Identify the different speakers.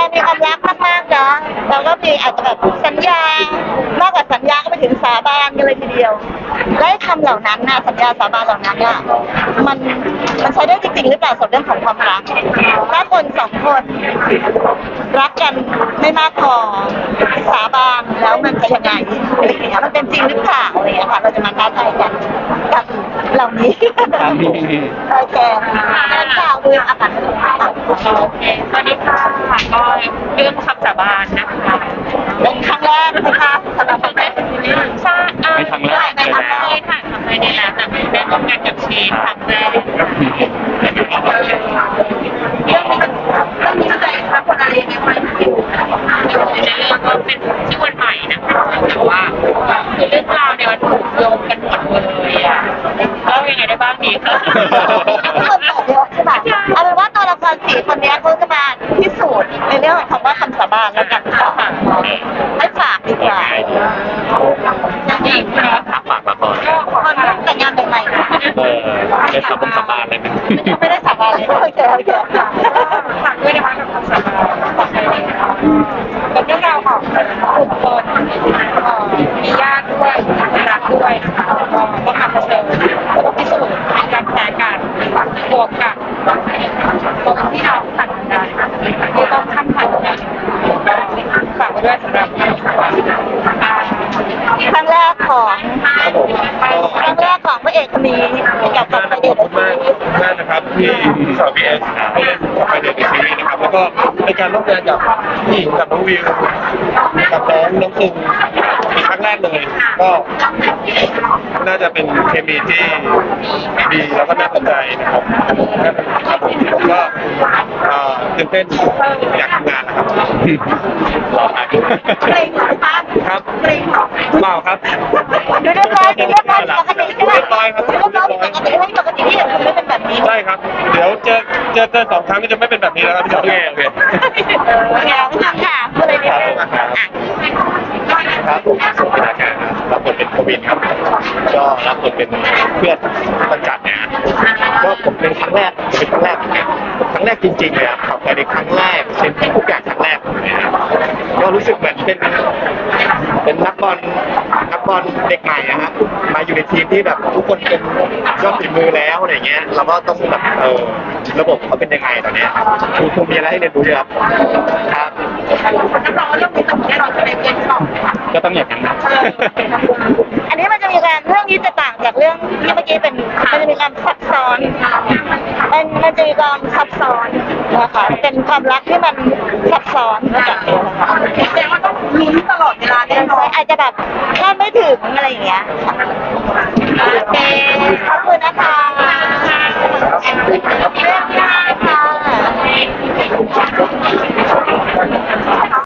Speaker 1: มีความรักมากๆนะแล้วก็มีอาจจะแบบสัญญามากกว่าสัญญาก็ไปถึงสาบานกันเลยทีเดียวและคำเหล่านั้นนะสัญญาสาบานเหล่านั้นเนี่ยมันใช้ได้จริงๆหรือเปล่าสำหรับเรื่องของความรักถ้าคนสองคนรักกันไม่มากพอสาบานแล้วมันจะยังไงอะไรอย่างเงี้ยมันเป็นจริงหรือเปล่าอะไรอย่างเงี้ยค่ะเราจะมาท้าทายกันกับเหล่านี้โอเคข่าวดูอาการ
Speaker 2: โอเคสวัสดีค่ะก็เรื่องคำสาบานนะคะ
Speaker 1: เป็นครั้งแรกนะคะสำหรับคนแรก
Speaker 2: ใช่
Speaker 3: ไม่ครั้งแรกเลยแล้ว
Speaker 2: เคยถ่ายทำไปได้แล้วแต่ไม่ได้ร่วมงานกับชีนครั้งแรกเรื่องนี้ใจค่ะคนอะไรยังไม่อยู่ในเรื่องก็เป็นชื่อวันใหม่นะคะแต่ว่าเรื่องราวเนี่ยมันถูกโยงกันหมดเลยอ่ะแล้วยังไงได้บ้างดีคะ
Speaker 1: เอาเป็นว่าตัวละครสี่คนนี้เขาจะมาพิสูจน์ในเรื่องของคำว่าคำสาบานแล้วกันค่ะให้ฝากดีกว่า
Speaker 2: จริงค่ะ
Speaker 3: ฝากละคร
Speaker 1: คนแต่งงานใหม่ๆนะ
Speaker 3: ได้สาบานเลยนะ
Speaker 1: ไม่ได้สาบานเลยโอเค
Speaker 2: ฝากด้วยนะคะกับคำสาบานเป็นเรื่องราวของกลุ่มคนมีญาติด้วยรักด้วยนะคะแล้วก็ต้องมาเผชิญพิสูจน์ในการแพ้กันบวกกับตัวที่เราผ่านกันที่ต้องข้ามผ่านกันฝากไว้ด้วยสำหรับคำสาบาน
Speaker 1: ครั้งแรกของพระเอกคนนี้กับไปเดท
Speaker 4: ขอบคุณมากนะครับที่สาวพีเอสไปเดทในซีรีส์นะครับแล้วก็ในการร่วมงานกับพี่กับน้องวิวกับน้องซึงเป็นครั้งแรกเลยก็น่าจะเป็นเคมีที่ดีแล้วก็น่าสนใจนะครับครับผมก็ตื่นเต้นอยากทำงานนะครับ
Speaker 3: รอครับ
Speaker 1: เกรงหรอคะ
Speaker 4: ครับ
Speaker 1: เกรงหรอ
Speaker 4: เปล่าครับ
Speaker 1: ดูเรียบร้อยปกติใช่ไหม
Speaker 4: เรียบร้อยครับ
Speaker 1: เรียบร้อยปกติไม่ปกติที่เห็นคุณไม่เป็นแบบนี้
Speaker 4: ใช่ครับ เดี๋ยวเจอ2 ครั้งก็จะไม่เป็นแบบนี้แล้วครับพี่โอเค
Speaker 1: โอเคค่ะพูดเลยดี
Speaker 4: ครับผมสุพิธาการรับบทเป็นโควิดครับก็รับบทเป็นเพื่อนต้นจัดเนี่ยก็ผมเป็นครั้งแรกเหมือนกันครั้งแรกจริงๆเลยครับขับไปในครั้งแรกเซ็นทุกอย่างครั้งแรกเนี่ยก็รู้สึกเหมือนเป็นนักบอลเด็กใหม่นะครับมาอยู่ในทีมที่แบบทุกคนเป็นยอดฝีมือแล้วอะไรเงี้ยเราก็ต้องแบบระบบเขาเป็นยังไงตอนนี้คงมีอะไรให้เรียนรู้เยอะครับ
Speaker 1: นักร้องเรื่องนี้ต้องเราจะเป็นเกมสอง
Speaker 4: ก็ต้องอย่างนั้นนะ
Speaker 1: อันนี้มันจะมีการเรื่องนี้จะต่างจากเรื่องที่เมื่อกี้เป็นมันจะมีความซับซ้อนมันจะมีความซับซ้อนนะคะเป็นความรักที่มันซับซ้อนจากเดียวนะคะแสดงว่าต้องลุ้นตลอดเวลาแน่นอนอาจจะแบบคาดไม่ถึงอะไรอย่างเงี้ยโอเคขอบคุณนะคะ